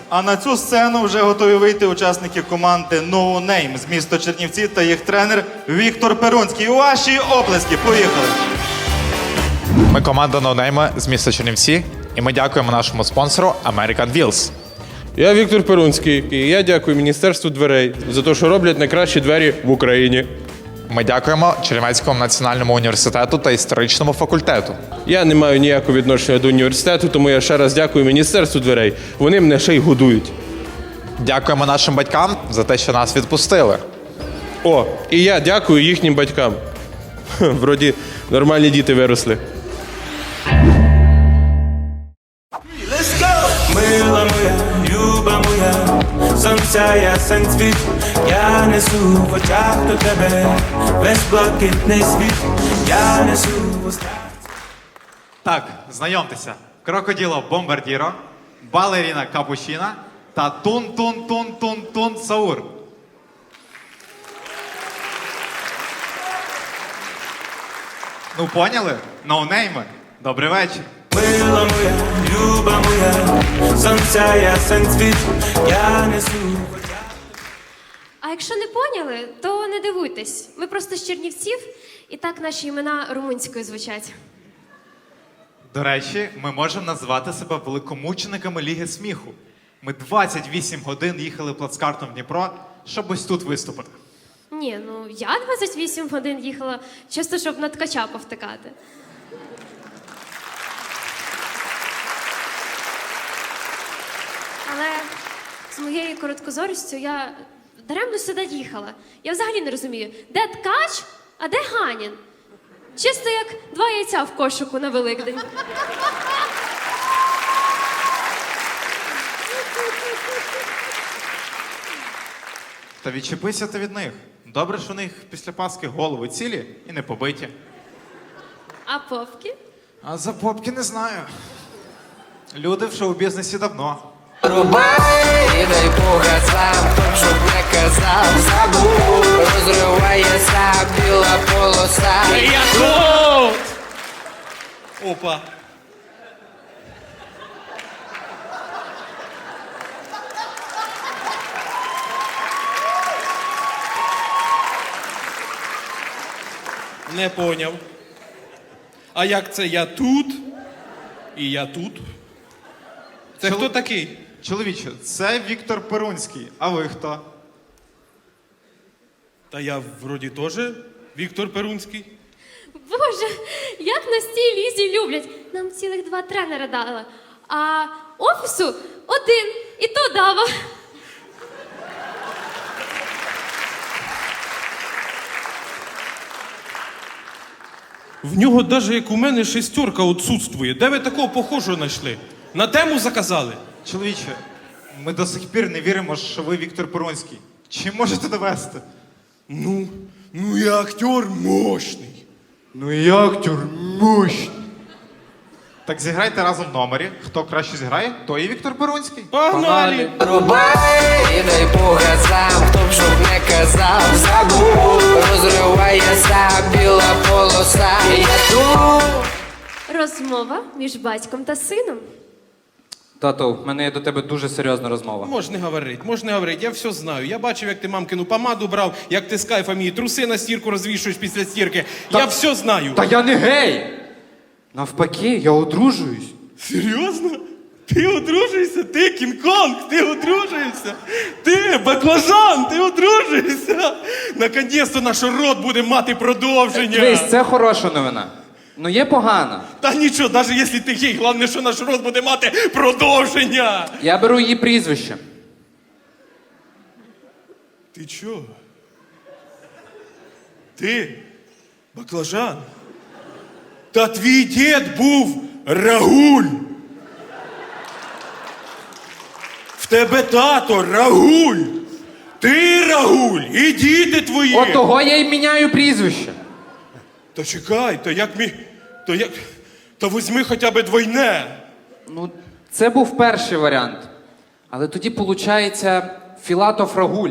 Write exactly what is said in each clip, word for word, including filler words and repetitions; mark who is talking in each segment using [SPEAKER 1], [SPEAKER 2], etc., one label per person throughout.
[SPEAKER 1] А на цю сцену вже готові вийти учасники команди No Name з міста Чернівці та їх тренер Віктор Перунський. Ваші оплески. Поїхали.
[SPEAKER 2] Ми команда No Name з міста Чернівці, і ми дякуємо нашому спонсору American Wheels.
[SPEAKER 3] Я Віктор Перунський, і я дякую Міністерству дверей за те, що роблять найкращі двері в Україні.
[SPEAKER 2] Ми дякуємо Чернівецькому національному університету та історичному факультету.
[SPEAKER 3] Я не маю ніякого відношення до університету, тому я ще раз дякую Міністерству дверей. Вони мене ще й годують.
[SPEAKER 2] Дякуємо нашим батькам за те, що нас відпустили.
[SPEAKER 3] О, і я дякую їхнім батькам. Ха, вроді нормальні діти виросли.
[SPEAKER 4] Let's go! Мила моя, люба моя, сонця ясен цвіт, я несу в очах до тебе весь блакитний світ, я несу в устах.
[SPEAKER 5] Так, знайомтеся. Крокоділо Бомбардіро, балеріна Капучіна та Тун-Тун-Тун-Тун-Тун Саур. Ну, поняли? Ноунейми. Добрий вечір.
[SPEAKER 4] Мила моя, люба моя, сонця ясен цвіт, я несу в очах.
[SPEAKER 6] А якщо не поняли, то не дивуйтесь. Ми просто з Чернівців, і так наші імена румунською звучать.
[SPEAKER 5] До речі, ми можемо назвати себе великомучениками Ліги сміху. Ми двадцять вісім годин їхали плацкартом в Дніпро, щоб ось тут виступити.
[SPEAKER 6] Ні, ну я двадцять вісім годин їхала, чисто щоб на ткача повтикати. Але з моєю короткозорістю я даремно сюди їхала. Я взагалі не розумію, де ткач, а де Ганін? Чисто як два яйця в кошику на Великдень.
[SPEAKER 5] Та відчепися ти від них. Добре, що у них після Пасхи голови цілі і не побиті.
[SPEAKER 6] А попки?
[SPEAKER 5] А за попки не знаю. Люди в шоу-бізнесі давно.
[SPEAKER 7] Рубай, і дай Бога сам, хто б щоб не казав, забув, розривається біла полоса.
[SPEAKER 3] Я тут! Опа. Не поняв. А як це я тут? І я тут? Це
[SPEAKER 5] Чол-
[SPEAKER 3] хто такий?
[SPEAKER 5] Чоловіче, це Віктор Перунський. А ви хто?
[SPEAKER 3] Та я вроді теж Віктор Перунський.
[SPEAKER 6] Боже, як нас цій лізі люблять. Нам цілих два тренера дали. А офісу один, і то дава.
[SPEAKER 3] В нього навіть як у мене шестерка відсутствує. Де ви такого похожого знайшли? На тему заказали?
[SPEAKER 5] Чоловіче, ми до сих пір не віримо, що ви Віктор Перунський. Чи можете довести?
[SPEAKER 3] Ну, ну я актер мощний.
[SPEAKER 5] Ну і актер мощний. Так зіграйте разом в номері. Хто краще зіграє, той і Віктор Перунський.
[SPEAKER 3] Погнали!
[SPEAKER 7] Рубай, і дай Бога сам, хто б щоб не казав, забув, розривається біла полоса. Я тут!
[SPEAKER 6] Розмова між батьком та сином.
[SPEAKER 8] Тато, в мене є до тебе дуже серйозна розмова.
[SPEAKER 3] Можеш не говорити, можеш не говорити, я все знаю. Я бачив, як ти мамкину помаду брав, як ти з кайфом її труси на стірку розвішуєш після стірки. Я все знаю.
[SPEAKER 8] Та я не гей! Навпаки, я одружуюсь.
[SPEAKER 3] Серйозно? Ти одружуєшся? Ти Кінг-Конг, ти одружуєшся? Ти баклажан, ти одружуєшся? Наконець-то наш род буде мати продовження.
[SPEAKER 8] Дивись, це хороша новина. Ну є погана.
[SPEAKER 3] Та нічого, навіть якщо ти гей, головне, що наш род буде мати продовження.
[SPEAKER 8] Я беру її прізвище.
[SPEAKER 3] Ти чого? Ти баклажан? Та твій дід був Рагуль. В тебе тато Рагуль. Ти Рагуль і діти твої.
[SPEAKER 8] От того я й міняю прізвище.
[SPEAKER 3] Та чекай, то як мі... То як... Та візьми хоча б двойне.
[SPEAKER 8] Ну, це був перший варіант. Але тоді, виходить, Філатов Рагуль.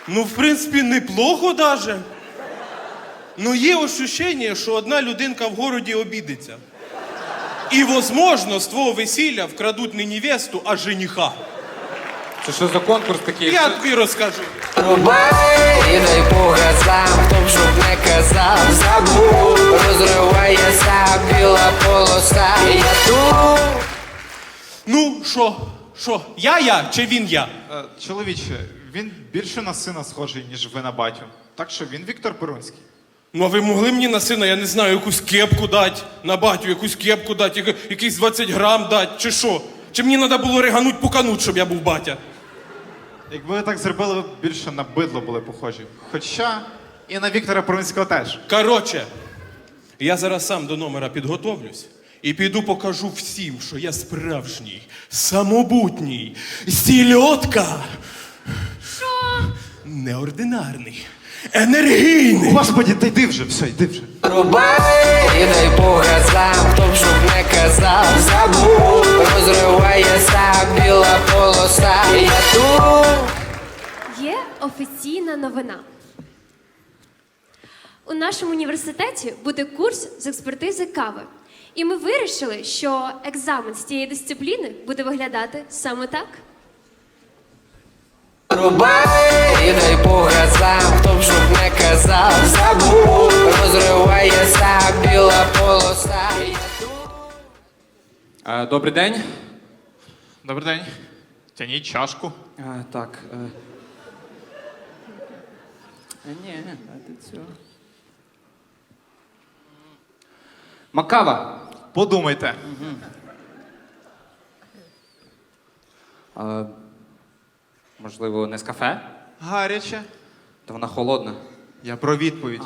[SPEAKER 3] Ну, в принципі, неплохо даже. Ну, є ощущення, що одна людинка в городі обідеться. І, возможно, з твого весілля вкрадуть не невесту, а жениха.
[SPEAKER 8] Це що за конкурс такий?
[SPEAKER 3] Я тобі розкажу.
[SPEAKER 7] Рубай і дай по газам, хто б щоб не казав, забув, розривається біла полоса. Я тут.
[SPEAKER 3] Ну, що? Що? Я я чи він я?
[SPEAKER 5] Е, чоловіче, він більше на сина схожий, ніж ви на батю. Так що він Віктор Перунський.
[SPEAKER 3] Ну, а ви могли мені на сина, я не знаю, якусь кепку дати, на батю якусь кепку дати, яка- якийсь двадцять грам дати, чи що? Чи мені треба було ригануть пукануть, щоб я був батя?
[SPEAKER 5] Якби ви так зробили, ви б більше на бидло були похожі. Хоча і на Віктора Перунського теж.
[SPEAKER 3] Коротше, я зараз сам до номера підготовлюсь і піду покажу всім, що я справжній, самобутній, сільотка.
[SPEAKER 6] Що?
[SPEAKER 3] Неординарний, енергійний.
[SPEAKER 5] Господі, та йди вже, все, йди вже.
[SPEAKER 7] Рубай і дай по газам, хто б щоб не казав, забув, розривається біла полоса. Я тут.
[SPEAKER 6] Є офіційна новина. У нашому університеті буде курс з експертизи кави. І ми вирішили, що екзамен з цієї дисципліни буде виглядати саме так.
[SPEAKER 7] Рубай і дай по газам, хто б щоб не казав, забув, розривається біла полоса. Я тут.
[SPEAKER 8] Е, Добрий день.
[SPEAKER 2] Добрий день. Тяніть чашку.
[SPEAKER 8] Е, Так. е. Е, Ні, а ти цього. Макава.
[SPEAKER 2] Подумайте.
[SPEAKER 8] Е, Можливо, не з кафе?
[SPEAKER 5] Гаряче.
[SPEAKER 8] То вона холодна.
[SPEAKER 5] Я про відповідь.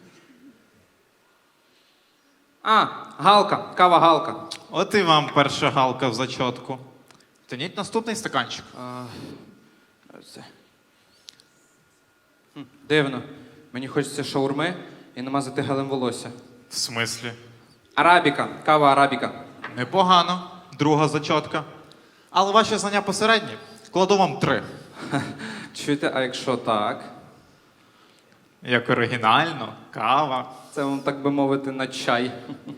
[SPEAKER 8] А, галка, кава галка.
[SPEAKER 5] От і вам перша галка в зачотку. Тяніть наступний стаканчик.
[SPEAKER 8] Це. Хм, Дивно. Мені хочеться шаурми і намазати гелем волосся.
[SPEAKER 5] В смислі?
[SPEAKER 8] Арабіка, кава арабіка.
[SPEAKER 5] Непогано. Друга зачотка. Але ваші знання посередні. Кладу вам три.
[SPEAKER 8] Чуєте, а якщо так?
[SPEAKER 5] Як оригінально, кава.
[SPEAKER 8] Це вам, так би мовити, на чай.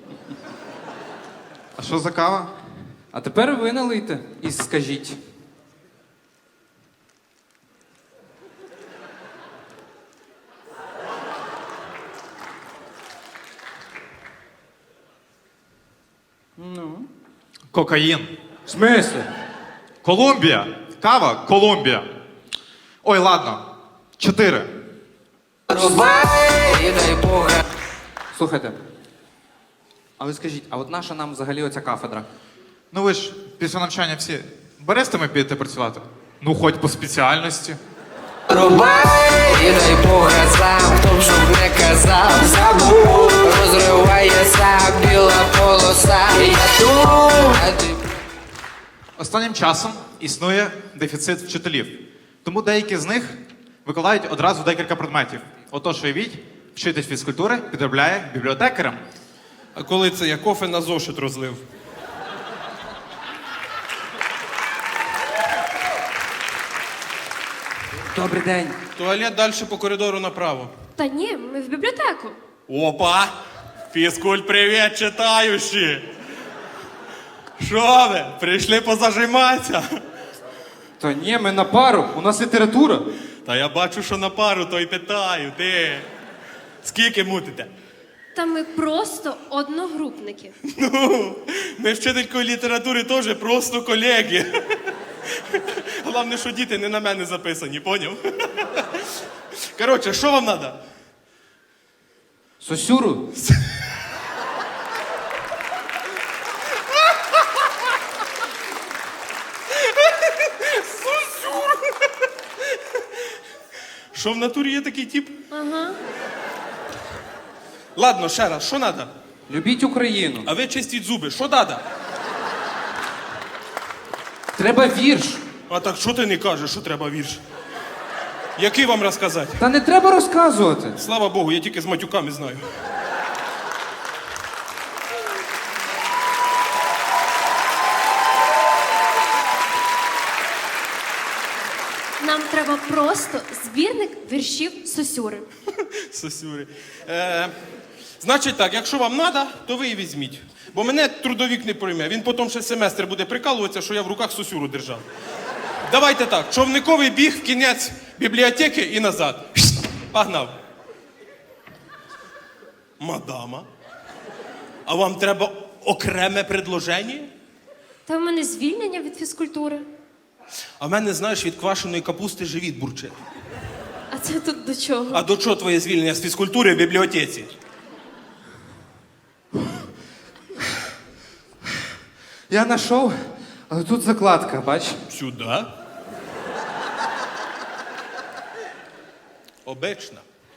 [SPEAKER 5] А що за кава?
[SPEAKER 8] А тепер ви налийте і скажіть.
[SPEAKER 5] Кокаїн.
[SPEAKER 8] В смислі?
[SPEAKER 5] Колумбія. Кава Колумбія. Ой, ладно. Чотири.
[SPEAKER 7] Рубай і дай по газам.
[SPEAKER 8] Слухайте. А ви скажіть, а от наша нам взагалі оця кафедра?
[SPEAKER 5] Ну ви ж після навчання всі берестами підете працювати? Ну, хоч по спеціальності.
[SPEAKER 7] Рубай і дай по газам, хто б щоб не казав, забув, розривається біла полоса. Я тут. А ти.
[SPEAKER 5] Останнім часом існує дефіцит вчителів. Тому деякі з них викладають одразу декілька предметів. Отож, уявіть, вчитель фізкультури підробляє бібліотекарем.
[SPEAKER 3] А коли це я кофе на зошит розлив?
[SPEAKER 8] Добрий день.
[SPEAKER 3] Туалет далі по коридору направо.
[SPEAKER 6] Та ні, ми в бібліотеку.
[SPEAKER 3] Опа! Фізкульт, привіт, читаючі! Що ви? Прийшли позажиматися?
[SPEAKER 8] Та ні, ми на пару, у нас література.
[SPEAKER 3] Та я бачу, що на пару, то й питаю, ти. Скільки мутите?
[SPEAKER 6] Та ми просто одногрупники.
[SPEAKER 3] Ну, ми вчителькою літератури теж просто колеги. Головне, що діти не на мене записані, поняв? Коротше, що вам треба?
[SPEAKER 8] Сосюру.
[SPEAKER 3] Що в натурі є такий тип?
[SPEAKER 6] Ага.
[SPEAKER 3] Ладно, ще раз, що треба?
[SPEAKER 8] Любіть Україну.
[SPEAKER 3] А ви чистіть зуби, що треба?
[SPEAKER 8] Треба вірш.
[SPEAKER 3] А так що ти не кажеш, що треба вірш? Який вам розказати?
[SPEAKER 8] Та не треба розказувати.
[SPEAKER 3] Слава Богу, я тільки з матюками знаю.
[SPEAKER 6] Нам треба просто збірник віршів Сосюри.
[SPEAKER 3] Сосюри. Е, значить так, якщо вам треба, то ви і візьміть. Бо мене трудовік не прийме. Він потім ще семестр буде прикалуватися, що я в руках сосюру держав. Давайте так, човниковий біг в кінець бібліотеки і назад. Погнав. Мадама, а вам треба окреме предложення?
[SPEAKER 6] Та в мене звільнення від фізкультури.
[SPEAKER 3] А в мене, знаєш, від квашеної капусти живіт бурчить.
[SPEAKER 6] А це тут до чого?
[SPEAKER 3] А до чого твоє звільнення з фізкультури в бібліотеці?
[SPEAKER 8] Я знайшов, але тут закладка, бач?
[SPEAKER 3] Сюди. Обична.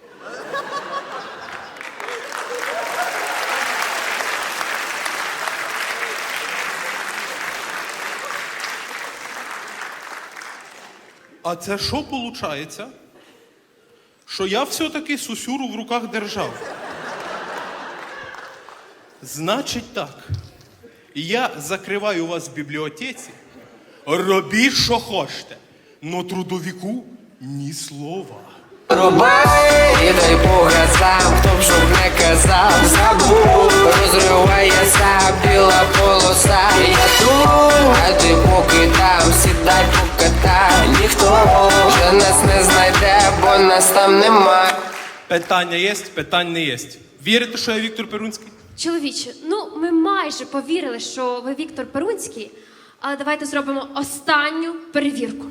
[SPEAKER 3] А це що виходить? Що я все-таки сусюру в руках держав. Значить так. Я закриваю вас в бібліотеці, робіть, що хочете, но трудовіку ні слова.
[SPEAKER 7] Рубай і дай Бога сам, хто б щоб не казав, забув, розривається біла полоса. Я тут, а ти поки там, сідай покатай. Ніхто вже нас не знайде, бо нас там нема.
[SPEAKER 3] Питання є, питань не є. Вірите, що я Віктор Перунський?
[SPEAKER 6] Чоловіче, ну ми майже повірили, що ви Віктор Перунський, але давайте зробимо останню перевірку.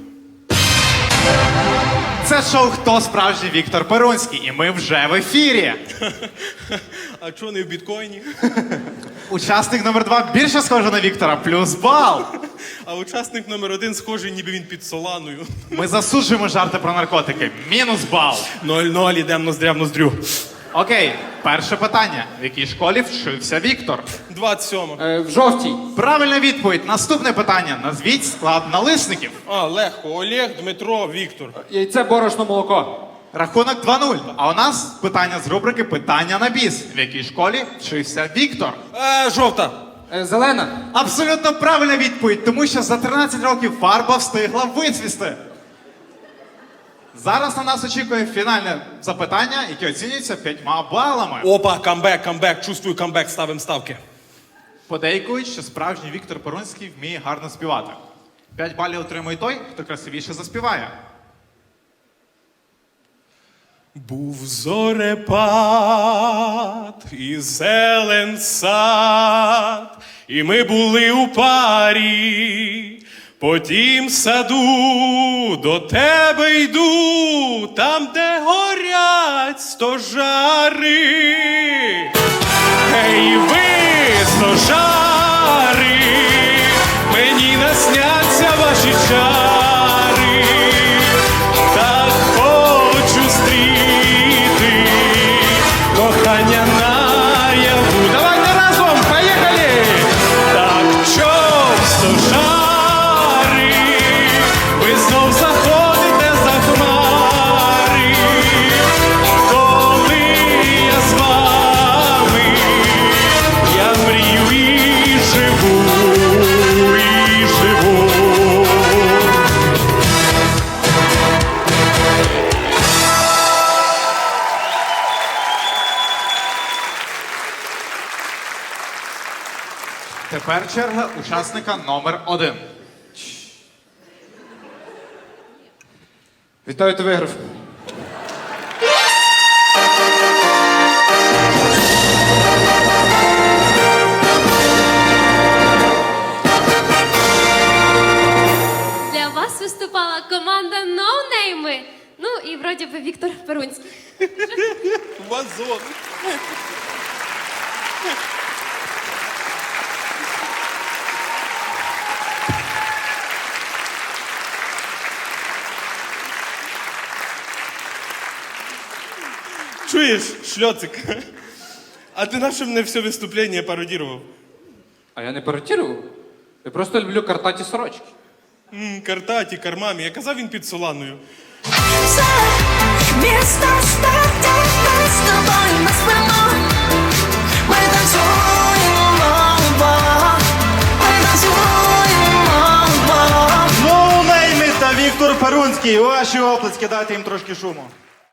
[SPEAKER 2] Це шоу «Хто справжній Віктор Перунський?» і ми вже в ефірі.
[SPEAKER 3] А чого не в біткоїні?
[SPEAKER 2] Учасник номер два більше схожий на Віктора, плюс бал.
[SPEAKER 3] А учасник номер один схожий, ніби він під Соланою.
[SPEAKER 2] Ми засуджуємо жарти про наркотики, мінус бал.
[SPEAKER 3] Ноль-ноль, ідемо ноздря в ноздрю.
[SPEAKER 2] Окей, перше питання. В якій школі вчився Віктор?
[SPEAKER 3] двадцять сьома.
[SPEAKER 8] Е, в жовтій.
[SPEAKER 2] Правильна відповідь. Наступне питання. Назвіть склад налисників.
[SPEAKER 3] А, легко. Олег, Дмитро, Віктор.
[SPEAKER 8] Яйце, борошно, молоко.
[SPEAKER 2] Рахунок два нуль. А у нас питання з рубрики «Питання на біс». В якій школі вчився Віктор?
[SPEAKER 3] Е, жовта.
[SPEAKER 8] Е, зелена.
[SPEAKER 2] Абсолютно правильна відповідь, тому що за тринадцять років фарба встигла вицвісти. Зараз на нас очікує фінальне запитання, яке оцінюється п'ятьма балами.
[SPEAKER 3] Опа, камбек, камбек. Чувствую камбек, ставимо ставки.
[SPEAKER 2] Подейкують, що справжній Віктор Перунський вміє гарно співати. П'ять балів отримує той, хто красивіше заспіває.
[SPEAKER 3] Був зорепад і зелен сад, і ми були у парі. По тім саду до тебе йду, там, де горять стожари. Ей, ви, стожари, мені насняться ваші чари. Так хочу стріти кохання наяву. Давайте разом, поїхали! Так чом стожари, ви знов заходите за хмари, коли я з вами, я мрію і живу, і живу.
[SPEAKER 2] Тепер черга учасника номер один.
[SPEAKER 8] Вітаю, ти виграв.
[SPEAKER 6] Для вас виступала команда «Ноунейми». Ну і вроді би Віктор Перунський.
[SPEAKER 3] Вазон. Чуєш, шльоцик? А ти на що мене все виступлення пародірував?
[SPEAKER 8] А я не пародірував. Я просто люблю картаті сорочки.
[SPEAKER 3] М, картаті, кармамі. Я казав, він під Соланою.
[SPEAKER 9] Місто стати з тобою ми спимо. Ми танцюємо вдвох. Ми танцюємо вдвох.
[SPEAKER 1] Ноунейми та Віктор Віктор Перунський. Ваші оплески, дайте їм трошки шуму.